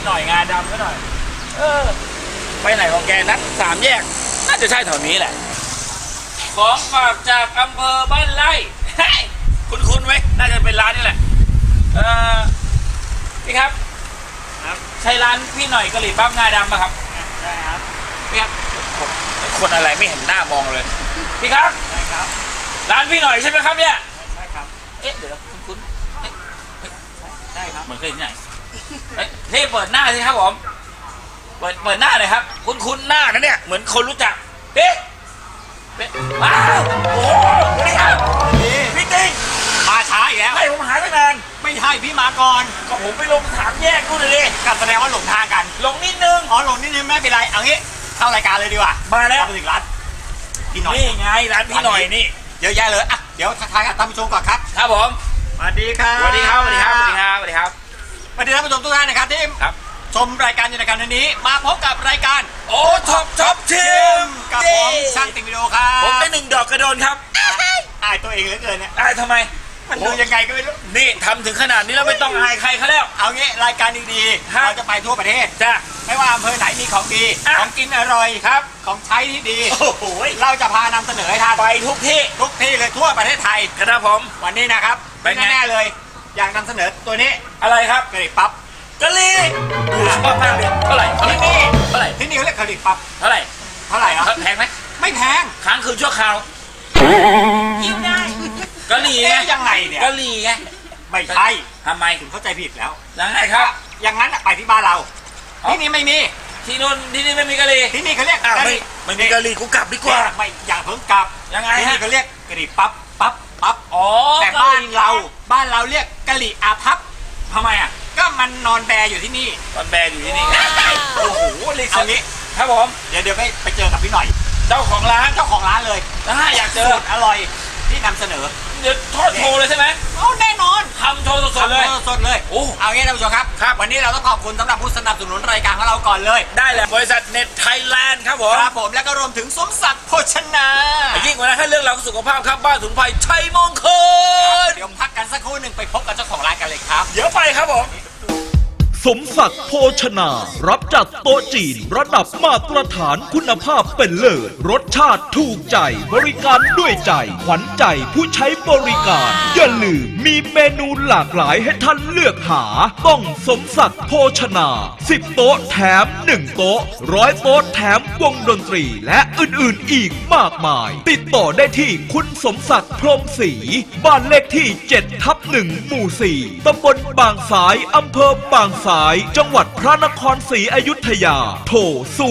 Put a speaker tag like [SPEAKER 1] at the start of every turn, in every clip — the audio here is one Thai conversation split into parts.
[SPEAKER 1] หน่อยงาดำก็หน่อยไปไหนของแกนัด3 แยกน่าจะใช่แถวนี้แหละของฝากจากอำเภอบ้านไร่คุ้นๆไหมน่าจะเป็นร้านนี่แหละพี่ครับใช่ร้านพี่หน่อยกะหรี่ปั๊บงาดำป่ะครับใช่ครับพี่ครับคนอะไรไม่เห็นหน้ามองเลยพี่ครับใช่ครับร้านพี่หน่อยใช่ไหมครับเนี่ยใช่ครับเดี๋ยวคุ้นใช่ครับเหมือนเคยที่ไหนนี่เปิดหน้าสิครับผมเปิดหน้าเลยครับคุ้นหน้านะเนี่ยเหมือนคนรู้จักว้าวโอ้โหนี่ครับพี่ติ๊กมาช้าอีกแล้วให้ผมหายไปนานไม่ใช่พี่มาก่อนก็ผมไปลง3 แยกนู่นเลยก็แสดงว่าหลงทางกันหลงนิดนึงหลงนิดนึงไม่เป็นไรเอางี้เข้ารายการเลยดีกว่ามาแล้วมาถึงร้านพี่หน่อยนี่ไงร้านพี่หน่อยนี่เยอะแยะเลยอ่ะเดี๋ยวทักทายกับท่านผู้ชมก่อนครับครับผมสวัสดีครับสวัสดีครับสวัสดีครับสวัสดีครับสวัสดีครับสวัสดีท่านผู้ชมทุกท่านนะครับที่ชมรายการอยู่ในการนี้มาพบกับรายการโอ้ท็อปชิมกับผมช่างติ่งวิดีโอครับผมได้1 ดอกกระโดนครับอายตัวเองเหลือเกินเนี่ยอายทำไมมันดูยังไงก็ไม่รู้นี่ทำถึงขนาดนี้แล้วไม่ต้องอายใครเขาแล้วเอางี้รายการดีๆเราจะไปทั่วประเทศจ้ะไม่ว่าอำเภอไหนมีของดีของกินอร่อยครับของใช้ที่ดีโอ้โหเราจะพานำเสนอให้ท่านไปทุกที่เลยทั่วประเทศไทยครับผมวันนี้นะครับแน่ๆเลยอยากนำเสนอตัวนี้อะไรครับกะหรี่ปั๊บกะหรี่ชอบมากเลยเท่าไหร่ที่นี่เท่าไหร่ที่นี่เขาเรียกกะหรี่ปั๊บเท่าไหร่อ่ะแพงไหมไม่แพงค้างคืนชั่วคราวยิ้มได้กะหรี่ไงยังไงเนี่ยกะหรี่ไงไม่ใช่ทำไมถึงเข้าใจผิดแล้วยังไงครับอย่างนั้นไปที่บ้านเราที่นี่ไม่มีที่นู่นที่นี่ไม่มีกะหรี่ที่นี่เขาเรียกไม่มีกะหรี่กูกลับดีกว่าไม่อย่าเพิ่งกลับยังไงที่นี่เขาเรียกกะหรี่ปั๊บอ๋อแต่บ้านเราเรียกกะหรี่อาพับทำไมอ่ะก็มันนอนแบอยู่ที่นี่นอนแบอยู่ที่นี่โอ้โหเอางี้ครับผมเดี๋ยวไปเจอกับพี่หน่อยเจ้าของร้านเลยอยากเจออร่อยที่นำเสนอเดี๋ยวทอดโชว์เลยใช่ไหมแน่นอนทำโชว์สดเลยเอางี้ท่านผู้ชมครับวันนี้เราต้องขอบคุณสำหรับผู้สนับสนุนรายการของเราก่อนเลยได้เลยบริษัทเน็ตไทยแลนด์ครับผมแล้วก็รวมถึงสมศักดิ์โภชนายิ่งกว่านั้นให้เรื่องราวสุขภาพครับบ้านสมุนไพรชัยมงคลเดี๋ยวพักกันสักครู่หนึ่งไปพบกับเจ้าของร้านกันเลยครับเดี๋ยวไปครับผม
[SPEAKER 2] สมศักดิ์โภชนารับจัดโต๊ะจีนระดับมาตรฐานคุณภาพเป็นเลิศรสชาติถูกใจบริการด้วยใจขวัญใจผู้ใช้บริการอย่าลืมมีเมนูหลากหลายให้ท่านเลือกหาต้องสมศักดิ์โภชนา10 โต๊ะแถม1 โต๊ะ100 โต๊ะแถมวงดนตรีและอื่นๆอีกมากมายติดต่อได้ที่คุณสมศักดิ์พรหมศรีบ้านเลขที่7/1 หมู่ 4 ตำบลบางสายอำเภอบางสายจังหวัดพระนครศรีอยุธยาโทร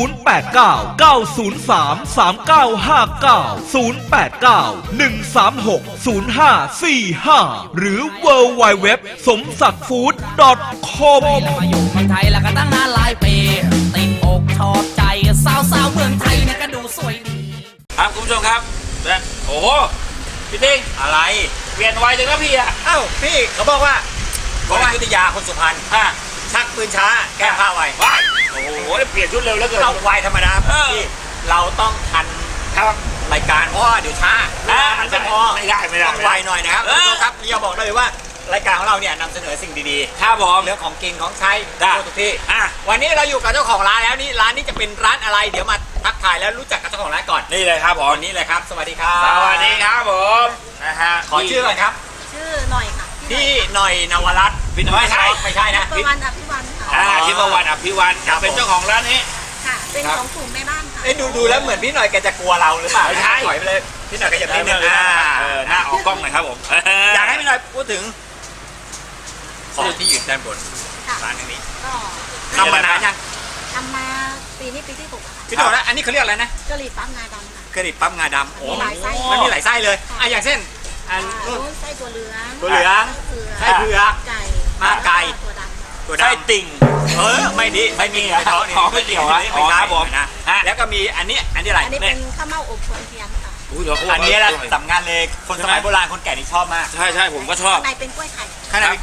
[SPEAKER 2] 0899033545 หรือ www สมศักดิ์ฟู้ด .com
[SPEAKER 3] มาอยู่เมืองไทยแล้วก็ตั้งนานหลายปีติดอกชอบใจสาวเมืองไทยเนี่ยก็ดูสวยดี
[SPEAKER 1] ครับคุณผู้ชมครับโอ้โหพี่ติ๊งอะไรเปลี่ยนไวจังนะพี่อ่ะพี่เขาบอกว่าอยุธยาคนสุพรรณชักปืนช้าแก้ผ้าไวโอ้โหเปลี่ยนชุดเร็วแล้วเกินเราไวธรรมดาพี่เราต้องทันครับรายการเพราะว่าเดี๋ยวช้ามันไม่พอไม่ได้ต้องไวหน่อยนะครับครับเราบอกได้เลยว่ารายการของเราเนี่ยนำเสนอสิ่งดีๆครับผมเรื่องของกินของใช้ทุกที่วันนี้เราอยู่กับเจ้าของร้านแล้วนี่ร้านนี้จะเป็นร้านอะไรเดี๋ยวมาทักทายแล้วรู้จักกับเจ้าของร้านก่อนนี่เลยครับผมนี่เลยครับสวัสดีครับสวัสดีครับผมขอชื่อก่อนครับ
[SPEAKER 4] ชื่อหน่อยค่ะ
[SPEAKER 1] พี่หน่อยนวรัตน์ไม่ใช่นะ
[SPEAKER 4] ทิพวรรณอภิวันค่ะ
[SPEAKER 1] ทิพวรรณอภิวันเป็นเจ้าของร้านนี้
[SPEAKER 4] ค่ะเป็นของกลุ่มแม่บ้านค่ะ
[SPEAKER 1] ดูแล้วเหมือนพี่หน่อยแกจะกลัวเราหรือเปล่าไม่ใช่ถอยไปเลยพี่หน่อยแกจะนิดนึงหน้าออกกล้องหน่อยครับผมอยากให้พี่หน่อยพูดถึงของที่อยู่ด้านบนร้านนี้ทำมานานยัง
[SPEAKER 4] ทำมาปีนี้ปีที่6ค่ะ
[SPEAKER 1] พี่หน่อยนะอันนี้เขาเรียกอะไรนะ
[SPEAKER 4] กะหรี่ปั๊บงาดำค่ะ
[SPEAKER 1] กะหรี่ปั๊บงาดำโอ้มันมีหลายไส้เลยอย่างเช่น
[SPEAKER 4] อันไส้ตัวเหลือง
[SPEAKER 1] ไส้เผือกไก่ตัวดำไส้ติ่งไม่ดีไม่มีท้องไม่เกี่ยวไม่ครับผมนะแล้วก็มีอันนี้อะไร
[SPEAKER 4] อันนี้เป็นข้าวเม่าอบควนเทียนค่ะ
[SPEAKER 1] อันนี้แหละสำคัญเลยคนสมัยโบราณคนแก่นี่ชอบมากใช่ผมก็ชอบ
[SPEAKER 4] ข้างในเป็นกล้วยไข่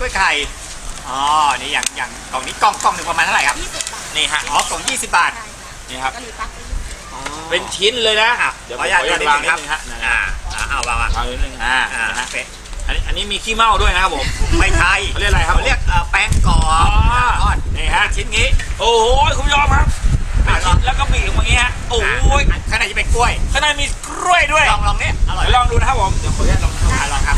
[SPEAKER 1] นี่อย่างกล่องนี้กล่องหนึ่งประมาณเท่าไหร่ครับ
[SPEAKER 4] 20 บาท
[SPEAKER 1] นี่ฮะกล่อง20 บาทนี่ครับเป็นชิ้นเลยนะเดี๋ยวขออนุญาตวางนิดนึงฮะเอาวางนิดนึงอันนี้มีขี้เมาด้วยนะครับผม
[SPEAKER 5] ไม่ใช่
[SPEAKER 1] เขาเรียกอะไรครับ
[SPEAKER 5] เขาเรียกแป้งกรอ
[SPEAKER 1] อ๋อบ
[SPEAKER 5] ทอดนี่ฮะชิ้นนี้
[SPEAKER 1] โอ้โหคุณผู้ชมครับเป็นชิ้นแล้วก็บีบอย่างเงี้ยโอ้ย
[SPEAKER 5] ข้างในจะเป็นกล้วย
[SPEAKER 1] ข้างในมีกล้วยด้วย
[SPEAKER 5] ลองเนี่ยอร่อย
[SPEAKER 1] เดี๋ยวลองดูนะครับผมเดี๋ยวขออนุญาตลองทำ
[SPEAKER 5] ลองครับ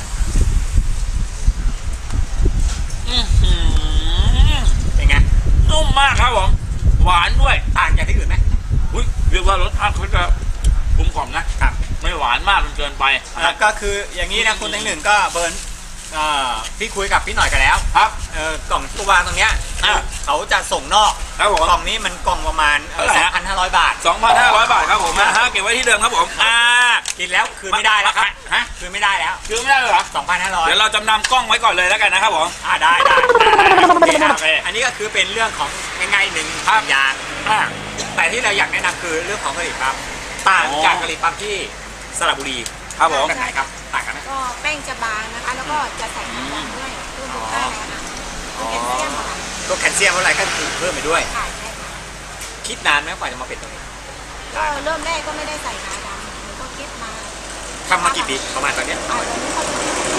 [SPEAKER 1] อื้อหือ
[SPEAKER 5] เป็นไง
[SPEAKER 1] นุ่มมากครับผมหวานด้วย
[SPEAKER 5] ต่างจากที่อื่นไหม
[SPEAKER 1] อุ้ยเรียกว่ารสชาติเขาจะกลมกล่อมนะครับ ไม่หวานมากจนเกินไป
[SPEAKER 5] แล้วก็คืออย่างนี้นะคุณทั้งหนึ่งก็เบิร์นพี่คุยกับพี่หน่อยกันแล้ว
[SPEAKER 1] ครับ
[SPEAKER 5] กล่องตู้วางตรงเนี้ย
[SPEAKER 1] อ่ะ
[SPEAKER 5] เขาจะส่งนอก
[SPEAKER 1] ครับผม
[SPEAKER 5] กล่องนี้มันกล่องประมาณ
[SPEAKER 1] เท่าไหร่ฮะ
[SPEAKER 5] 2,500 บาท
[SPEAKER 1] 2,500 บาทครับผมนะฮะเก็บไว้ที่เดิมครับผม
[SPEAKER 5] กินแล้วคืนไม่ได้แล้วครับ
[SPEAKER 1] ฮะ
[SPEAKER 5] คืนไม่ได้แล้ว
[SPEAKER 1] คือไม่ได้เลยเหรอ
[SPEAKER 5] 2,500
[SPEAKER 1] เดี๋ยวเราจำนำกล้องไว้ก่อนเลยแล้วกันนะครับผม
[SPEAKER 5] ได้
[SPEAKER 1] โอเคโอเค
[SPEAKER 5] อันนี้ก็คือเป็นเรื่องของง่ายๆหนึ่ง
[SPEAKER 1] ครับ
[SPEAKER 5] อย่าง
[SPEAKER 1] อ่ะ
[SPEAKER 5] แต่ที่เราอยากแนะนำคือเรื่องของกะหรี่ปั๊บต่าง
[SPEAKER 1] อ๋อ
[SPEAKER 5] จากกะหรี่ปั๊บที่สระบุรี
[SPEAKER 1] ครับผม
[SPEAKER 5] แบบไหนครับต่างกันไหม
[SPEAKER 4] ก็แป้งจะบางนะคะ แล้วก็จะใส่น้ำมันด้วยเพื่อลดค่าแรงค่ะแคลเซียมค่ะ
[SPEAKER 5] ตัวแคลเซียมอะไรก็คือเพิ่มไปด้วย
[SPEAKER 4] ค่ะใช่ค่ะ
[SPEAKER 5] คิดนานไหมกว่าจะมาเป็นตรงนี้
[SPEAKER 4] ก็เริ่มแรกก็ไม่ได้ใส่งาดำหนูก็คิดมา
[SPEAKER 5] ทำมากี่ปีประมาณตอนเนี้ย
[SPEAKER 4] ตอนนี้เขา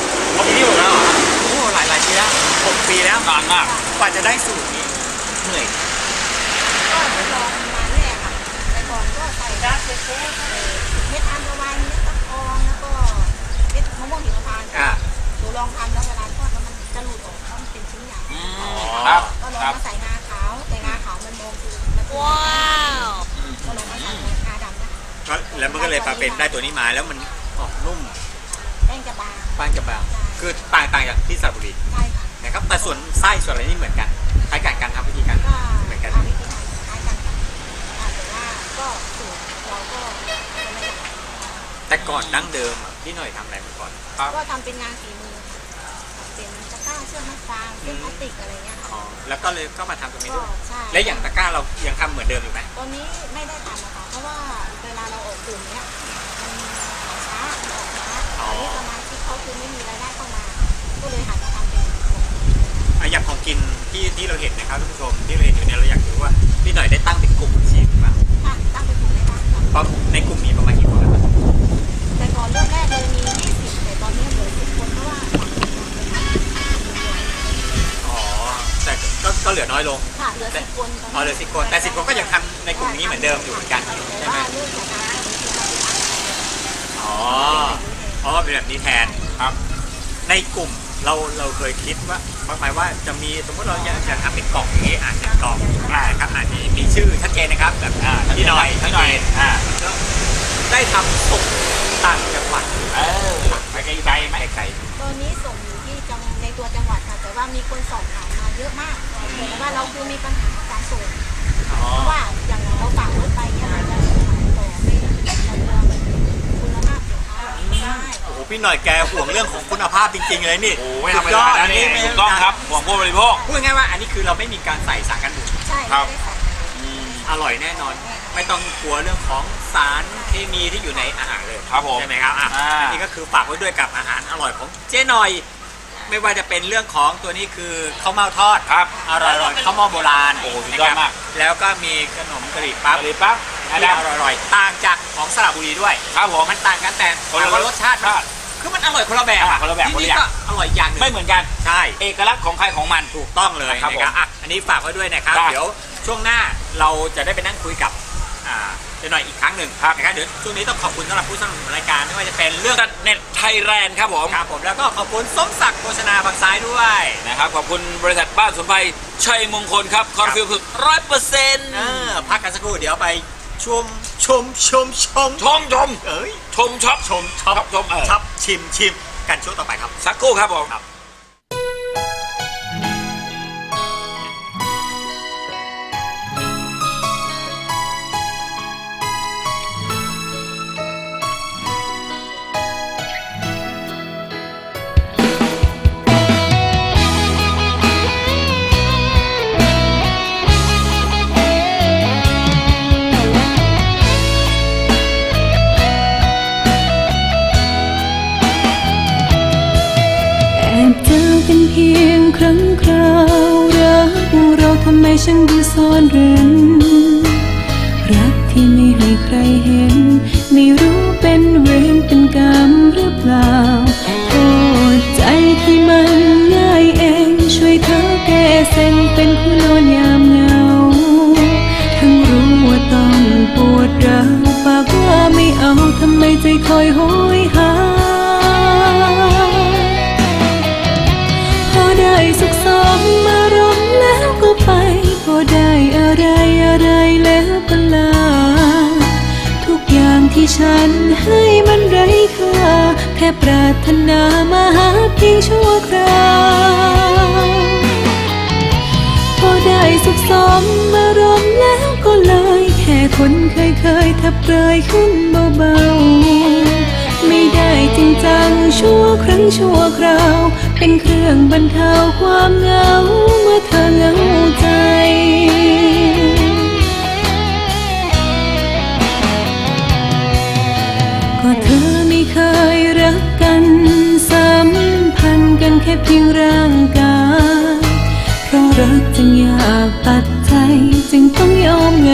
[SPEAKER 5] 6 ปีอยู่แล้วเหรอโอ้หลายปีแล้ว6 ปีแล้ว
[SPEAKER 1] นานมาก
[SPEAKER 5] กว่าจะได้สูตรนี้เหนื่อย
[SPEAKER 4] ก็ทดลองมาเรื่อยค่ะแต่ก่อนก็ใส่เม็ดอัญชันเม็ดตะกองแล้วก็เม็ดมะม่วงหิมพานต์
[SPEAKER 5] อ่ะ
[SPEAKER 4] หนูลองทำแล้วเวลาทอดแล้วมันจะหลุดออกเพราะมันเป็นชิ้นใหญ่
[SPEAKER 1] ครับ
[SPEAKER 4] ก็ลอง
[SPEAKER 1] ครับ
[SPEAKER 4] มาใส่งาขาวแต่งาขาวมันมองคือมันว้าวก็ลองมาใส่งาดำนะคะ
[SPEAKER 5] ก็แล้วมันก็เลยมาเป็นได้ตัวนี้มาแล้วมันออกนุ่ม
[SPEAKER 4] แป้งจะบาง
[SPEAKER 5] บ้างจะบางคือต่างจากที่สระบุรี
[SPEAKER 4] ใช่ค่ะ
[SPEAKER 5] นะครับแต่ส่วนไส้ส่วนอะไรนี่เหมือนกันคล้ายกันการทำวิธีการ
[SPEAKER 4] ก็
[SPEAKER 5] เหมือนกัน
[SPEAKER 4] ทำวิธีการคล้ายกันค่ะแต่ว่าก็สูตรเราก็จะไม่ได้
[SPEAKER 5] แต่ก่อนดั้งเดิมอ่ะพี่หน่อยทำอะไรมาก่อน
[SPEAKER 4] ก็ทำเป็นงานฝีมือค่ะเป็นตะกร้าเชือกมัดฟางเส้นพลาสติกอะไรเงี้ยค่ะ
[SPEAKER 5] อ๋อแล้วก็เลยก็มาทำตรงนี้
[SPEAKER 4] ก็
[SPEAKER 5] ด้วย
[SPEAKER 4] ใช่
[SPEAKER 5] และอย่างตะกร้าเรายังทำเหมือนเดิมอยู่ไหม
[SPEAKER 4] ตอนนี้ไม่ได้ทำนะคะเพราะว่าเวลาเราออกกลุ่มเนี้ยมันขายช้ามันออกช้าตอนนี้สมาชิกเขาคือไม่มีรายได้เข้ามา ก็เลยหันมาทำเป็นของ
[SPEAKER 5] อย่างของกินที่เราเห็นนะครับท่านผู้ชมที่เราเห็นอยู่เนี่ยเราอยากรู้ว่าพี่หน่อยได้ตั้งเป็นกลุ่มอาชีพหรือเปล่า
[SPEAKER 4] ค่ะตั้งเป็นกลุ่มได้บ้างค่ะ
[SPEAKER 5] เพราะในกลุ่มมีประมาณกี่คนครับ
[SPEAKER 4] แต่ก่อนเริ่มแรกเลยมี 20 แต่ตอนนี้เหลือ 10 คนเพราะว่า
[SPEAKER 5] อ๋อแต่ก็เหลือน้อยลง
[SPEAKER 4] ค่ะเหลือ 10 คนตอนนี้
[SPEAKER 5] อ๋อเหลือ10 คนแต่10 คนก็ยังทำในกลุ่มนี้เหมือนเดิมอยู่เหมือนกัน
[SPEAKER 4] แต่
[SPEAKER 5] ใช่ไหม
[SPEAKER 4] ว่าเรื่องของการ
[SPEAKER 5] อ๋อเป็นแบบนี้แทน
[SPEAKER 1] ครับ
[SPEAKER 5] ในกลุ่มเราเคยคิดว่าหมายว่าจะมีสมมติเราอยากทำเป็นกล่องอย่างนี้เป็นกล่องนะครับมีชื่อชัดเจนนะครับแบบพี่หน่อย
[SPEAKER 1] พี่หน่อย
[SPEAKER 5] แล้วได้ทำส่งต่างจังหวัด
[SPEAKER 1] ไปไกลๆไหมไกล
[SPEAKER 4] ตอนนี้ส่งอยู่ที่ในตัวจังหวัดค่ะ แต่ว่ามีคนสอบถามมาเยอะมากแต่ว่าเราคือมีปัญหาการส่งเพราะว่าอย่างเราฝากรถไปเนี่ยมันจะขายต่อไม่เราคุณภาพสินค้าไม่ได้
[SPEAKER 5] โอ้โหพี่หน่อยแกห่วงเรื่องของคุณภาพจริงๆเลยนี่
[SPEAKER 1] โอ้ไม่ธรรมดานะนี่ถูกต้องครับห่วงผู้บริโภค
[SPEAKER 5] พูดง่ายๆว่าอันนี้คือเราไม่มีการใส่สารกันบูด
[SPEAKER 4] ใช่
[SPEAKER 1] ครับ
[SPEAKER 4] ไม่ได้ใส่
[SPEAKER 5] อร่อยแน่นอน ไม่ต้องกลัวเรื่องของสารเคมีที่อยู่ในอาหารเลย
[SPEAKER 1] ครับผม
[SPEAKER 5] ใช่ไหมครับอันนี้ก็คือฝากไว้ด้วยกับอาหารอร่อยของเจ๊หน่อย ไม่ว่าจะเป็นเรื่องของตัวนี้คือข้าวเม่าทอด
[SPEAKER 1] ครับ
[SPEAKER 5] อร่อยๆข้าวเม่าโบราณ
[SPEAKER 1] โอ้โหสุดยอดมาก
[SPEAKER 5] นะครับแล้วก็มีขนมกะหรี่ปั๊บ
[SPEAKER 1] กะหรี่ปั๊บ
[SPEAKER 5] ที่อร่อยๆต่างจากของสระบุรีด้วย
[SPEAKER 1] ครับผม
[SPEAKER 5] มันต่างกันแต่
[SPEAKER 1] คนละ
[SPEAKER 5] ถามว่ารสชาติคือมันอร่อยคนละแบบ
[SPEAKER 1] คนละแบบ
[SPEAKER 5] ที่
[SPEAKER 1] คนละ
[SPEAKER 5] นี่
[SPEAKER 1] อย่าง
[SPEAKER 5] ก็อร่อยอย่างหนึ่ง
[SPEAKER 1] ไม่เหมือนกัน
[SPEAKER 5] ใช่
[SPEAKER 1] เอกลักษณ์ของใครของมัน
[SPEAKER 5] ถูกต้องเลย
[SPEAKER 1] ครับ
[SPEAKER 5] นะครับอันนี้ฝากไว้ด้วยนะครับ
[SPEAKER 1] ครับ
[SPEAKER 5] เดี๋ยวช่วงหน้าเราจะได้ไปนั่งคุยกับเจ๊หน่อยอีกครั้งหนึ่งนะครับเดี๋ยวช่วงนี้ต้องขอบคุณสำหรับผู้สนับสนุนรายการไม่ว่าจะเป็นเรื่อง
[SPEAKER 1] ตัดเน็ตไทยแลนด์ครับผม
[SPEAKER 5] ครับผมแล้วก็ขอบคุณสมศักดิ์โฆษณาฝั่งซ้ายด้วย
[SPEAKER 1] นะครับขอบคุณบริษัทบ้านสมุนไพรชัยมงคลครับคอนฟิวฝึก100%
[SPEAKER 5] พักกันสักครู่เดี๋ยวไปชม
[SPEAKER 1] ชม
[SPEAKER 5] เอ้ย
[SPEAKER 1] ชมช็อป
[SPEAKER 5] ชมช็อป
[SPEAKER 1] ชม
[SPEAKER 5] ช็อปชิมกันช่วงต่อไปครับ
[SPEAKER 1] สักครู่ครับผม
[SPEAKER 5] ครับ
[SPEAKER 6] แอบเจอกันเพียงครั้งคราวรักเราทำไมช่างดูซ่อนเร้นรักที่ไม่ให้ใครเห็น ไม่รู้เป็นเวรเป็นกรรมหรือเปล่าโทษเป็นผู้นอนยามเหงา ทั้งรู้ว่าต้องปวดร้าวปากว่าไม่เอาทำไมใจคอยโหยหา พอได้สุขสมอารมณ์แล้วก็ไป พอได้อะไรแล้วก็ลา ทุกอย่างที่ฉันให้มันไร้ค่า แค่ปรารถนามาหาเพียงชั่วคราว พอได้สุขสมอารมณ์แล้วก็เลยแค่คนเคยทับเปรยขึ้นเบาๆ ไม่ได้จริงจังชั่วครั้งชั่วคราว เป็นเครื่องบรรเทาความเหงาเมื่อเธอเหงาใจ ก็เธอไม่เคยรักกันสัมพันธ์กันแค่เพียงร่างกายเพราะรักจึงอยากตัดใจจึงต้องยอมไง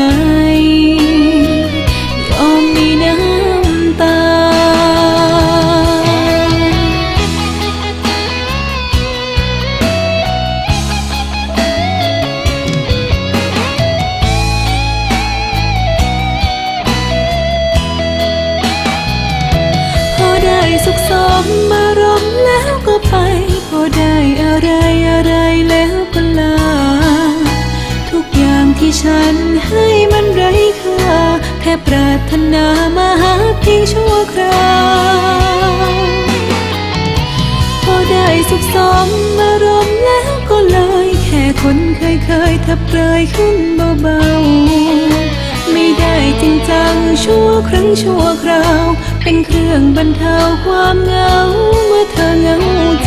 [SPEAKER 6] ยอมมีน้ำตา พอได้สุขสมอารมณ์แล้วก็ไป พอได้อะไรแล้วก็ลา ทุกอย่างที่ฉันให้มันไร้ค่า แค่ปรารถนามาหาเพียงชั่วคราว พอได้สุขสมอารมณ์แล้วก็เลยแค่คนเคยทับเปรยขึ้นเบาๆ ไม่ได้จริงจังชั่วครั้งชั่วคราว เป็นเครื่องบรรเทาความเหงาเมื่อเธอเหงาใจ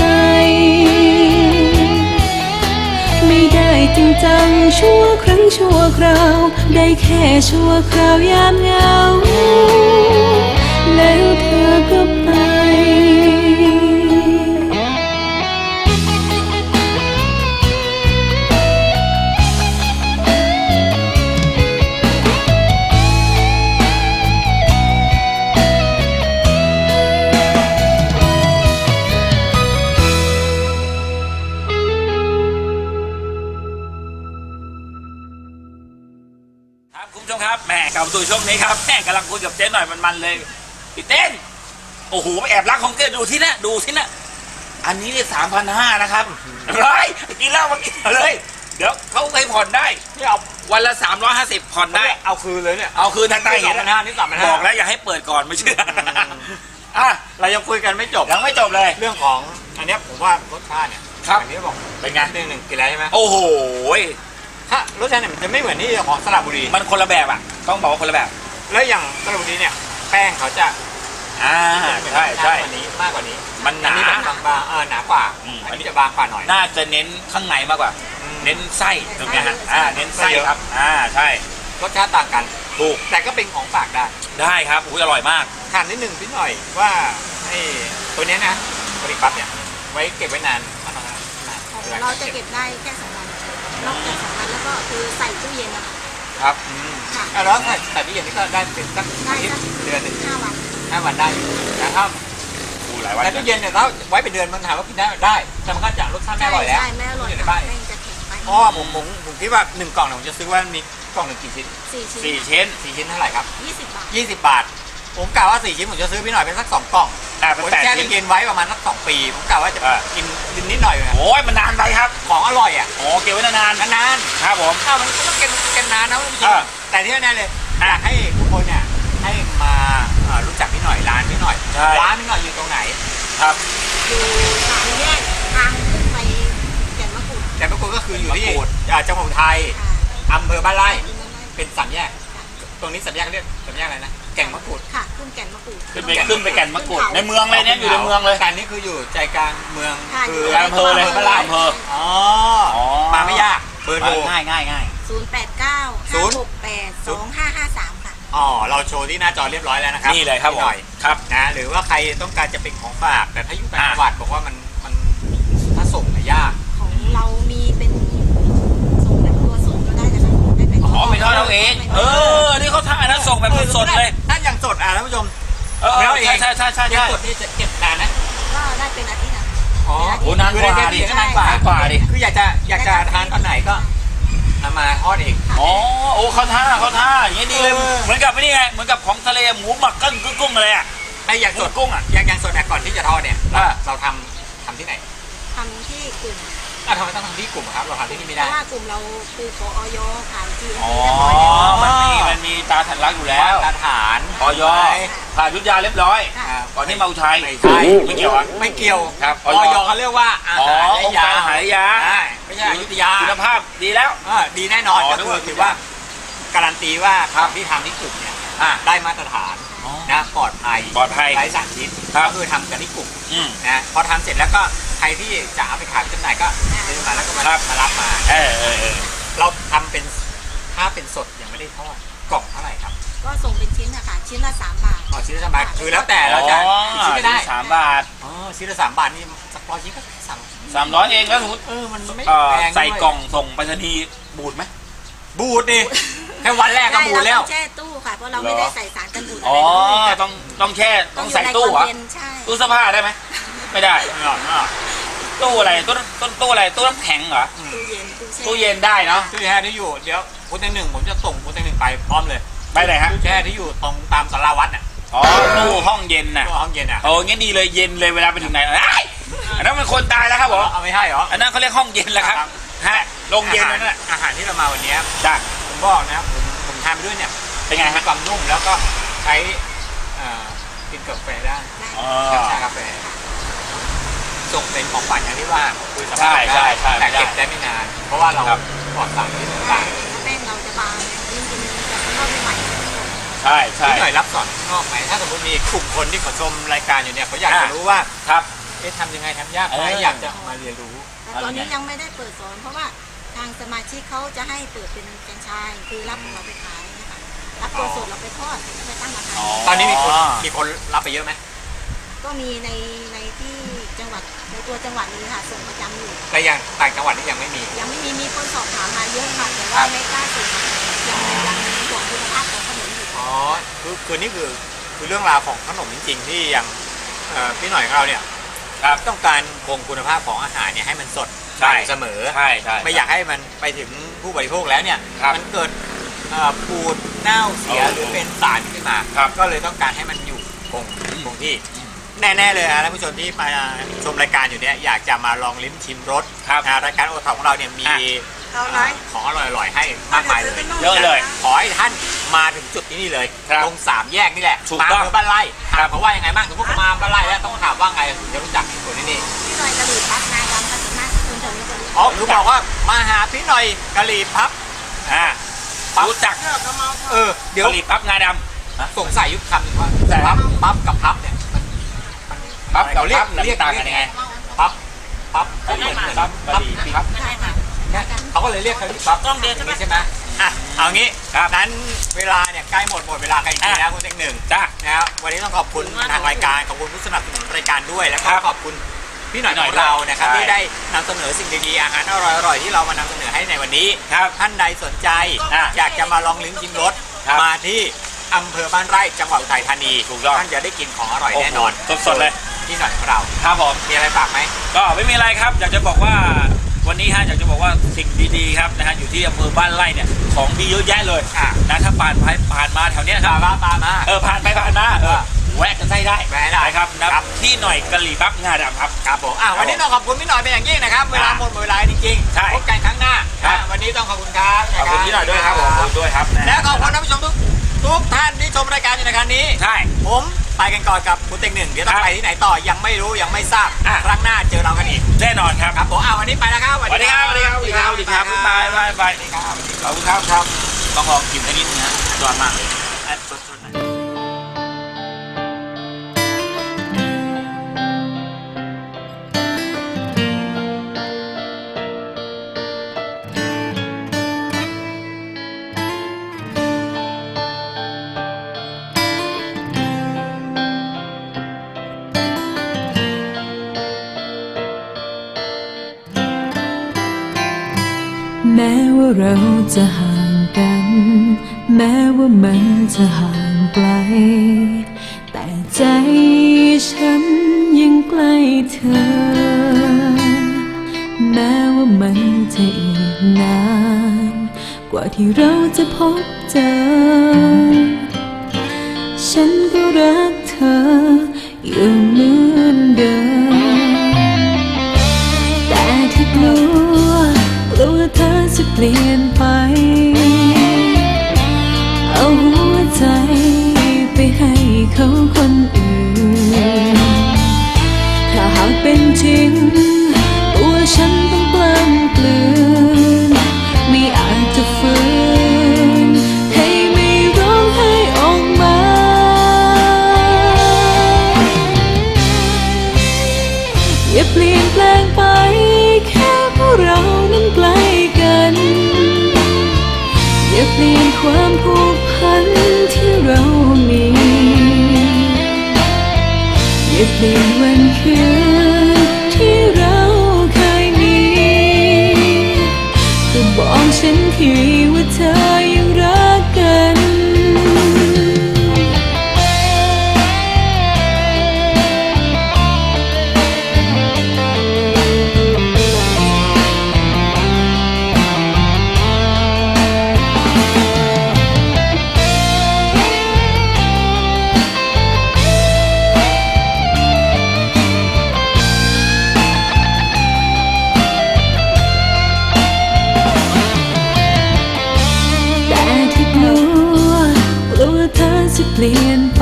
[SPEAKER 6] ไม่ได้จริงจังชั่วครั้งชั่วคราว ได้แค่ชั่วคราวยามเหงา แล้วเธอก็ไป
[SPEAKER 1] ครับคุณผู้ชมครับแหม่กลับมาสู่ช่วงนี้ครับแหม่กำลังคุยกับเจ๊หน่อยมันๆเลยพี่เต้นโอ้โหแอบรักของเจ๊ดูที่นะอันนี้เนี่ย3,500นะครับเฮ้ยกินเหล้ามากินเลย เดี๋ยวเขาให้ผ่อนได้ที่เอาวันละ350ผ่อนได้
[SPEAKER 5] เอาคืนเลยเนี่ย
[SPEAKER 1] เอาคืนทางใต้เห็น
[SPEAKER 5] 3,500นี่3,500
[SPEAKER 1] บอกแล้วอย่าให้เปิดก่อนไม่เชื่ออ่ะ
[SPEAKER 5] เรายังคุยกันไม่จบ
[SPEAKER 1] ยังไม่จบเลย
[SPEAKER 5] เรื่องของอันเนี้ยผมว่ารสชาติเนี่ย
[SPEAKER 1] ครับ
[SPEAKER 5] อันนี้บอก
[SPEAKER 1] เป็นไง
[SPEAKER 5] หนึ่งกินแล้วใช่ไหม
[SPEAKER 1] โอ้โห
[SPEAKER 5] ถ้ารสชาติเนี่ยมันจะไม่เหมือนที่ของสระบุรี
[SPEAKER 1] มันคนละแบบอ่ะต้องบอกว่าคนละแบบ
[SPEAKER 5] แล้วอย่างสระบุรีเนี่ยแป้งเขาจะ
[SPEAKER 1] ใช่
[SPEAKER 5] กว่านี้มากกว่านี้
[SPEAKER 1] มันหนา
[SPEAKER 5] อัแบบบางๆหนากว่า อันนี้จะบางกว่าหน่อย
[SPEAKER 1] น่าจะเน้นข้างในมากกว่า เน้นไส้ตรงเนี้ยฮะเน้นไส้ครับใช่
[SPEAKER 5] รสชาติต่างกัน
[SPEAKER 1] ถูก
[SPEAKER 5] แต่ก็เป็นของฝากได้
[SPEAKER 1] ได้ครับอุ้ยอร่อยมาก
[SPEAKER 5] ถามนิดหนึ่งพี่หน่อยว่าไอ้ตัวเนี้ยนะบริปั๊บเนี่ยไว้เก็บไว้นานมากน้อยนาน
[SPEAKER 4] ของเราจะเก็บได้แค่2 วันนอกจาก2 วันแล้วก็คือใส่ตู้เย็นนะคะ
[SPEAKER 5] ครับ
[SPEAKER 4] ค่ะ
[SPEAKER 5] แล้วใส่ตู้เย็นนี่ก็ได้เป็นสัก
[SPEAKER 4] ได้
[SPEAKER 5] อาทิต
[SPEAKER 4] สัก
[SPEAKER 5] ย์เดือนหนึ่ง
[SPEAKER 4] 5 วัน
[SPEAKER 5] 5 วันได้อยู่แต่ถ้า
[SPEAKER 1] อู้หลายวัน
[SPEAKER 5] แต่ตู้เย็นเนี่ยถ้าไว้เป็นเดือนมันถามว่ากินได้แต่มันก็จะรสชาติไม่อร่อยแล้ว
[SPEAKER 4] ใช่ไม่อร่อย
[SPEAKER 5] ใน
[SPEAKER 4] ค่ะ
[SPEAKER 5] บ้าน
[SPEAKER 4] แป้งจะแข็งไป
[SPEAKER 5] เพราะว่าผมคิดว่า1 กล่องเนี่ยผมจะซื้อว่ามีกล่องหนึ่งกี่ชิ้น
[SPEAKER 4] 4 ชิ้น
[SPEAKER 1] 4 ชิ้น
[SPEAKER 5] 4 ชิ้นเท่าไหร่ครับ
[SPEAKER 4] 20 บาท
[SPEAKER 5] 20 บาท ผมกะว่า4 ชิ้นผมจะซื้อพี่หน่อยเป็นสัก2 กล่อง
[SPEAKER 1] เป็น
[SPEAKER 5] ผม
[SPEAKER 1] 8
[SPEAKER 5] แช่
[SPEAKER 1] ชิ้น
[SPEAKER 5] ตู้เย็นไว้ประมาณสัก2 ปีผมกะว่าจะกินนิดหน่อยนะ
[SPEAKER 1] โอ้ยมันนานไปครับ
[SPEAKER 5] ของอร่อยอ่ะ
[SPEAKER 1] โอ้เก็บไว้นาน
[SPEAKER 5] นาน
[SPEAKER 1] ๆครับผม
[SPEAKER 5] ๆข้าวมันก็ต้องกินนานนะคุณผู้ชม
[SPEAKER 1] อ่า
[SPEAKER 5] แต่ที่แน่ๆเลยอยากให้ทุกคนเนี่ยให้มารู้จักพี่หน่อยร้านพี่หน่อย
[SPEAKER 1] ใช่
[SPEAKER 5] ร้านพี่หน่อยอยู่ตรงไหน
[SPEAKER 1] ครับ
[SPEAKER 4] อยู่3 แยกทางขึ้นไปแก่นมะกรูด
[SPEAKER 5] แต่ปรากฏก็คืออยู่ที่
[SPEAKER 1] มะกรูด
[SPEAKER 5] จังหวัดอุทัย
[SPEAKER 4] ค่ะ
[SPEAKER 5] อำเภอบ้านไร่
[SPEAKER 4] ขึ้นมาได้
[SPEAKER 5] เป็น3 แยก ตรงนี้3 แยกเรียก3 แยกอะไรนะแก่งมะกรูด
[SPEAKER 4] ค่ะขึ้นแก่นมะกรูด
[SPEAKER 1] ขึ้นไปแก่นมะกรูดในเมืองเลยเนี่ยอยู่ในเมืองเลย
[SPEAKER 5] แต่นี่คืออยู่ใจกลางเมือง
[SPEAKER 4] ค่ะ
[SPEAKER 5] คือ
[SPEAKER 1] ในอำเภอเลย
[SPEAKER 5] บ้านไร่
[SPEAKER 1] อำเภอ
[SPEAKER 5] อ๋อ
[SPEAKER 1] อ๋อ
[SPEAKER 5] มาไม่ยากเบอร์โทร
[SPEAKER 1] ง่าย
[SPEAKER 4] 089 568 2553 ค่ะ
[SPEAKER 5] อ๋อเราโชว์ที่หน้าจอเรียบร้อยแล้วนะครับ
[SPEAKER 1] นี่เลยครับ
[SPEAKER 5] พี่หน่อย
[SPEAKER 1] ครับ
[SPEAKER 5] นะหรือว่าใครต้องการจะเป็นของฝาก แต่ถ้าอยู่ต่าง
[SPEAKER 1] อ่า
[SPEAKER 5] จังหวัดบอกว่ามันถ้าส่งเนี่ยยาก
[SPEAKER 4] ของเรามีเป็นส่งแบบตัวสดก็ได้นะคะได้เป็น
[SPEAKER 1] อ๋อไม่ทอดเราเอง นี่เขาท่านะส่งแบบสดๆเลย
[SPEAKER 5] ถ้าอย่างสดท่านผู้ชม
[SPEAKER 1] ใช่
[SPEAKER 5] ยังสดนี่จะเก็บนานนะ
[SPEAKER 4] ก็ได้เป็นอาทิตย์นะ
[SPEAKER 1] โ
[SPEAKER 5] อ๋อ
[SPEAKER 1] โอ้นานกว่า
[SPEAKER 5] คือ
[SPEAKER 1] ดิ
[SPEAKER 5] ได้นานกว่า
[SPEAKER 1] นานกว่าดิ
[SPEAKER 5] คืออยากจะทานตอนไหนก็เอามาทอดเอง
[SPEAKER 1] อ๋อโอ้เขาท่าอย่างนี้ดีเลย
[SPEAKER 5] เออ
[SPEAKER 1] เหมือนกับนี่ไงเหมือนกับของทะเลหมูหมักกุ้งอะไรอ่ะ
[SPEAKER 5] ไอ้อย่างสด
[SPEAKER 1] กุ้งอะ
[SPEAKER 5] อย่างสดก่อนที่จะทอดเนี่ย
[SPEAKER 1] อ่า
[SPEAKER 5] เราทำที่ไหน
[SPEAKER 4] ทำที่กลุ่ม
[SPEAKER 5] ทำไมต้องทำที่กลุ่มครับเราทำที่นี่ไม่
[SPEAKER 4] เพ
[SPEAKER 5] ได้
[SPEAKER 4] ราะว่ากลุ่มเราคือขอออยผ่าน GMP
[SPEAKER 1] อ๋อ
[SPEAKER 4] เรียบร้อยแล้ว
[SPEAKER 1] มันมีตาทันรักอยู่แล้ว
[SPEAKER 5] มาตรฐาน
[SPEAKER 1] ออยผ่านยุทธยาเรียบร้อย
[SPEAKER 4] ค่ะ
[SPEAKER 1] ก่อนที่มาอุทัย
[SPEAKER 5] ไม่ใช่
[SPEAKER 1] ไม่เกี่ยวอ่ะ
[SPEAKER 5] ไม่เกี่ยว
[SPEAKER 1] ครับ
[SPEAKER 5] ออยเขาเรียกว่าอา
[SPEAKER 1] อ๋อ
[SPEAKER 5] หาร
[SPEAKER 1] องค์การอาหารและยา
[SPEAKER 5] ใช่ไม่ใช่อยุธยา
[SPEAKER 1] คุณภาพดีแล้ว
[SPEAKER 5] ดีแน่นอน
[SPEAKER 1] อ๋อ
[SPEAKER 5] ก็
[SPEAKER 1] นึก
[SPEAKER 5] คือ
[SPEAKER 1] ว่า
[SPEAKER 5] ถือว่าการันตีว่า
[SPEAKER 1] ครับ
[SPEAKER 5] ที่ทำที่กลุ่มเนี่ย
[SPEAKER 1] อ่ะ
[SPEAKER 5] ได้มาตรฐาน
[SPEAKER 1] อ๋อ
[SPEAKER 5] นะปลอดภัย
[SPEAKER 1] ปลอดภัย
[SPEAKER 5] ไร้สารพิษ
[SPEAKER 1] ครับ
[SPEAKER 5] ก็คือทำกันที่กลุ่ม
[SPEAKER 1] อืม
[SPEAKER 5] นะพอทำเสร็จแล้วก็ใครที่จะเอาไปขายจำหน่ายก็ซื้อมาแล้วก็มา
[SPEAKER 1] ครับ
[SPEAKER 5] มารับมา
[SPEAKER 1] เออ
[SPEAKER 5] เราทำเป็นถ้าเป็นสดยังไม่ได้ทอดกล่องเท่าไหร่ครับ
[SPEAKER 4] ก็ส่งเป็นชิ้นนะคะชิ้นละ3 บาท
[SPEAKER 5] อ๋อชิ้นละ3 บาทคือแล้วแต่เราจะ
[SPEAKER 1] อ๋อ
[SPEAKER 5] กี่ชิ้นก็ได้
[SPEAKER 1] 3 บาท
[SPEAKER 5] อ๋อชิ้นละ3 บาทนี่สักร้อยชิ้นก็300
[SPEAKER 1] 300เองแล้วสมมติ
[SPEAKER 5] มันไม่
[SPEAKER 1] ใส่
[SPEAKER 5] แพงด้วย
[SPEAKER 1] กล่องส่งไปรษณีย์บูดไหม
[SPEAKER 5] บูดดิแค่วันแรกก็บูดแล้ว
[SPEAKER 4] เราต้องแช่ตู้ค่ะ เพราะเราไม่ได้ใส่สารกันบูดอะ
[SPEAKER 1] อ๋
[SPEAKER 4] ไร
[SPEAKER 1] อ
[SPEAKER 4] เลย
[SPEAKER 1] ต้องแช่ต้องใส่ตู้
[SPEAKER 4] ยู่
[SPEAKER 1] เหรอ
[SPEAKER 4] ในความเย็นใช่
[SPEAKER 1] ตู้เสื้อผ้าได้ไหมไม่ได้ ตู้อะไรตู้อะไรตู้น้ำแข็งเหรอ
[SPEAKER 4] ตู้เย็นตู้แช่
[SPEAKER 1] ตู้เย็นได้เนาะ
[SPEAKER 5] ตู้แช่ที่อยู่เดี๋ยวพุทธหนึ่งผมจะส่งพุทธหนึ่งไปพร้อมเลย
[SPEAKER 1] ไปไหนฮะ
[SPEAKER 5] ตู้แช่ที่อยู่ตรงตามสาราวัดน่ะ
[SPEAKER 1] อ๋อตู้ห้องเย็นน่ะ
[SPEAKER 5] ตู้ห้องเย็นอ่ะ
[SPEAKER 1] โอ้งั้นดีเลยเย็นเลยเวลาไปถึงไหนเอ้ยอันนั้นมันคนตายแล้วครับผม
[SPEAKER 5] เอาไม่ใช่เหรอ
[SPEAKER 1] อันนั้นเขาเรียกห้องเย็นแล้วครับฮะโรงเย็นนั่นแหละ
[SPEAKER 5] อาหารที่เรามาวันนี้
[SPEAKER 1] จ้ะ
[SPEAKER 5] ผมบอกนะผมทานไปด้วยเนี่ย
[SPEAKER 1] เป็นไง
[SPEAKER 5] มี
[SPEAKER 1] ฮะ
[SPEAKER 5] ความนุ่มแล้วก็ใช้กินกับกาแฟได้
[SPEAKER 1] อ๋อ
[SPEAKER 5] กับชากาแฟ ส่งเป็นของขวัญอย่างที่ว่าคุยสำห
[SPEAKER 1] ใช่
[SPEAKER 5] รับ
[SPEAKER 1] ใช่
[SPEAKER 5] แต่เก็บได้ไม่นาน เพราะว่าเรา
[SPEAKER 1] ครับ
[SPEAKER 5] ปลอดสารพิษ
[SPEAKER 4] ใช่
[SPEAKER 5] ต่าง
[SPEAKER 4] แป้งเราจะบางยิ่งกินจะเข้าไปใหม่
[SPEAKER 1] ใช่
[SPEAKER 5] ๆ
[SPEAKER 1] ใช่
[SPEAKER 5] ที่หน่อยรับสอนข้างนอกไหมถ้าสมมติมีกลุ่มคนที่เขาชมรายการอยู่เนี่ยเขาอยากจะรู้ว่า
[SPEAKER 1] ครับ
[SPEAKER 5] ทำยังไงทำยากไหมอยากจะมาเรียนรู้
[SPEAKER 4] แต่ตอนนี้ยังไม่ได้เปิดสอน เพราะว่าทางสมาชิกเขาจะให้เปิดเป็นแฟรนไชส์คือรับของเราไปขายนะคะรับตัวสดเราไปทอดแล้วไปตั้งราคา
[SPEAKER 5] ตอนนี้มีคนรับไปเยอะไหม
[SPEAKER 4] ก็มีในที่จังหวัดในตัวจังหวัดนี้ค่ะส่งประจำอยู่
[SPEAKER 5] แต่ยังต่างจังหวัดนี่ยังไม่มี
[SPEAKER 4] ยังไม่มีคนสอบถามมาเยอะค่ะแต่ว่าไม่กล้าส่งยังห่วงคุณภาพของขนมอยู่
[SPEAKER 5] อ๋อคือนี่คือเรื่องราวของขนมจริงๆที่อย่างพี่หน่อยของเราเนี่ย
[SPEAKER 1] ครับ
[SPEAKER 5] ต้องการคงคุณภาพของอาหารเนี่ยให้มันสด
[SPEAKER 1] ใช่
[SPEAKER 5] เสมอ
[SPEAKER 1] ใช่ใช่
[SPEAKER 5] ไม่อยากให้มันไปถึงผู้บริโภคแล้วเนี่ย
[SPEAKER 1] ครับ
[SPEAKER 5] มันเกิดปูดเน่าเสีย
[SPEAKER 1] โอ้
[SPEAKER 5] หรือเป็นสารขึ้นมา
[SPEAKER 1] ครับ
[SPEAKER 5] ก็เลยต้องการให้มันอยู่คงที่แน่ๆเลยนะท่านผู้ชมที่มาชมรายการอยู่เนี่ยอยากจะมาลองลิ้มชิมรส
[SPEAKER 1] ครับ
[SPEAKER 5] รายการโอท็อปของเราเนี่ยมี
[SPEAKER 4] เอาไหม
[SPEAKER 5] ของอร่อยๆให้มากมายเลย
[SPEAKER 1] เยอะเลย
[SPEAKER 5] ขอให้ท่านมาถึงจุดที่นี่เลย
[SPEAKER 1] ครับ
[SPEAKER 5] ตรง3 แยกนี่แหละ
[SPEAKER 1] ถูก
[SPEAKER 5] มา
[SPEAKER 1] ต้อง
[SPEAKER 5] เมืองบ้านไร่ถามเขาว่ายังไงบ้างสมมติเขามาบ้านไร่แล้วต้องถามว่าไงถึงจะรู้จักคนที่นี่
[SPEAKER 4] พี่หน่อยกะหรี่ปั๊บนายดำก็ถึงมากคุณถึงจะรู้
[SPEAKER 5] อ๋อหรือบอกว่ามาหาพี่หน่อยกะหรี่พับ
[SPEAKER 1] อ่ารู้จัก
[SPEAKER 5] เดี๋ยว
[SPEAKER 1] กะหรี่ปั๊บงาดำ
[SPEAKER 5] สงสัยยุคคำหนึ่งว่า
[SPEAKER 1] แต่
[SPEAKER 5] ปั๊บกับพับเนี่ยมัน
[SPEAKER 1] ปั๊บกับ
[SPEAKER 5] เรียก
[SPEAKER 1] ปั๊บ
[SPEAKER 5] เรียก
[SPEAKER 1] ต่างกันยังไง
[SPEAKER 5] ปั๊บก็เหมือน
[SPEAKER 1] ปั๊บกะหรี่ปั๊บ
[SPEAKER 4] ใช่ค่ะ
[SPEAKER 5] เขาก็เลยเรียกกะหรี่ปั๊บ
[SPEAKER 4] ต้องเดียวใช่ไหม
[SPEAKER 5] ใช่ไหมอ่ะเอางี้
[SPEAKER 1] ครับ
[SPEAKER 5] นั้นเวลาเนี่ยใกล้หมดเวลากันจริงๆแล้วคุณเต็งหนึ่ง
[SPEAKER 1] จ้า
[SPEAKER 5] นะครับวันนี้ต้องขอบคุณทางรายการขอบคุณผู้สนับสนุนรายการด้วยแล้วก็
[SPEAKER 1] ครับ
[SPEAKER 5] ขอบคุณพี่หน่อย
[SPEAKER 1] พี่หน่
[SPEAKER 5] ข
[SPEAKER 1] อย
[SPEAKER 5] องเรานะครับ
[SPEAKER 1] ใช่
[SPEAKER 5] ที่ได้นำเสนอสิ่งดีๆอาหารอร่อยๆที่เรามานำเสนอให้ในวันนี้
[SPEAKER 1] ครับ
[SPEAKER 5] ท่านใดสนใจ
[SPEAKER 1] อ่ะ
[SPEAKER 5] อยากจะมาลองลิ้มชิมรส
[SPEAKER 1] ครับ
[SPEAKER 5] มาที่อำเภอบ้านไร่จังหวัดอุทัยธานี
[SPEAKER 1] ถูกต้อง
[SPEAKER 5] ท่านจะได้กินของอร่อยแน่นอน
[SPEAKER 1] โอ้โหสดๆเลย
[SPEAKER 5] พี่หน่อยของเรา
[SPEAKER 1] ครับผม
[SPEAKER 5] มีอะไรฝากไหม
[SPEAKER 1] ก็ไม่มีอะไรครับ อยากจะบอกว่าวันนี้ฮะอยากจะบอกว่าสิ่งดีๆครับนะฮะอยู่ที่อำเภอบ้านไร่เนี่ยของดีเยอะแยะเลย
[SPEAKER 5] อ่ะ
[SPEAKER 1] นะถ้าผ่านมาแถวเนี้ยครับ
[SPEAKER 5] ตามมา
[SPEAKER 1] ผ่านไปผ่านมาแวะกันได้
[SPEAKER 5] แวะได้
[SPEAKER 1] ครับนะครับที่หน่อยกะหรี่ปั๊บงาดำครับ
[SPEAKER 5] ครับผมวันนี้ต้องขอบคุณพี่หน่อยเป็นอย่างยิ่งนะครับเวลาหมดเวลาจริง
[SPEAKER 1] ใช่
[SPEAKER 5] ๆพบกันครั้งหน้า
[SPEAKER 1] ครับ
[SPEAKER 5] วันนี้ต้องขอบคุณครับ
[SPEAKER 1] ขอบคุณพี่หน่อยด้วยครับผมขอบคุณด้วยครับ
[SPEAKER 5] และขอบคุณท่านผู้ชมทุกท่านที่ชมรายการอยู่ในครั้งนี้
[SPEAKER 1] ใช่
[SPEAKER 5] ผมไปกันก่อนกับคุณเต็งหนึ่งเดี๋ยวต้องไปที่ไหนต่อยังไม่รู้ยังไม่ทราบ
[SPEAKER 1] อ่ะ
[SPEAKER 5] ครั้งหน้าเจอเรากันอีก
[SPEAKER 1] แน่นอนครับ
[SPEAKER 5] ครับผมวันนี้ไปแล้วครับ
[SPEAKER 1] สวัสดีครับสวัสดีครับสวัสดีครับสวัสดีครับบ๊ายบายบ๊ายบาย
[SPEAKER 5] สวัสดีครับ
[SPEAKER 1] ขอบคุณครับครับต้องลองกินสักนิดนึงนะยอดมากเลย
[SPEAKER 6] แม้ว่าเราจะห่างกัน แม้ว่ามันจะห่างไกล แต่ใจฉันยังใกล้เธอ แม้ว่ามันจะอีกนาน กว่าที่เราจะพบเจอ ฉันก็รักเธออยู่เหมือนเดิม แต่ที่กลัวเธอจะเปลี่ยนไป เอาหัวใจไปให้เขาคนอื่น ถ้าหากเป็นจริงตัวฉันต้องกล้ำกลืน ไม่อาจจะฝืนให้ไม่ร้องไห้ออกมา อย่าเปลี่ยนแปลงไปแค่เพราะเรานั้นใกล้กัน อย่าเปลี่ยนความผูกพันที่เรามี อย่าเปลี่ยนวันคืนที่เราเคยมีก็บอกฉันทีว่าเธอยังรักกัน แต่ที่กลัวเธอจะเปลี่ยนไป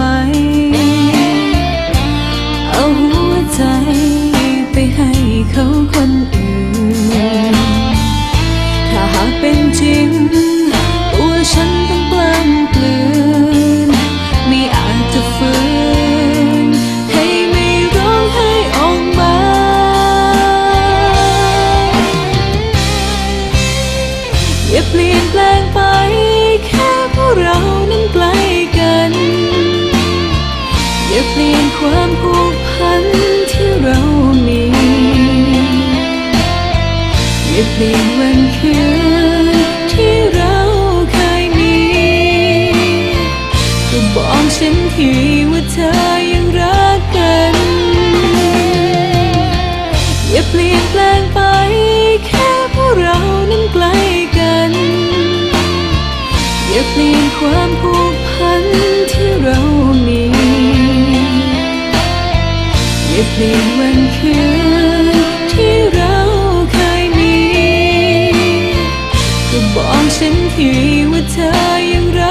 [SPEAKER 6] เอาหัวใจไปให้เขาคนอื่น ถ้าหากเป็นจริงตัวฉันต้องกล้ำกลืน ไม่อาจจะฝืนให้ไม่ร้องไห้ออกมา อย่าเปลี่ยนแปลงไปแค่เพราะเรานั้นใกล้กัน อย่าเปลี่ยนความผูกพันที่เรามี อย่าเปลี่ยนวันคืนที่เราเคยมีก็บอกฉันทีว่าเธอยังรักกัน อย่าเปลี่ยนแปลงไปแค่เพราะเรานั้นใกล้กัน อย่าเปลี่ยนความผูกพันที่เรามี อย่าเปลี่ยนวันคืนที่เราเคยมีก็บอกฉันทีว่าเธอยังรัก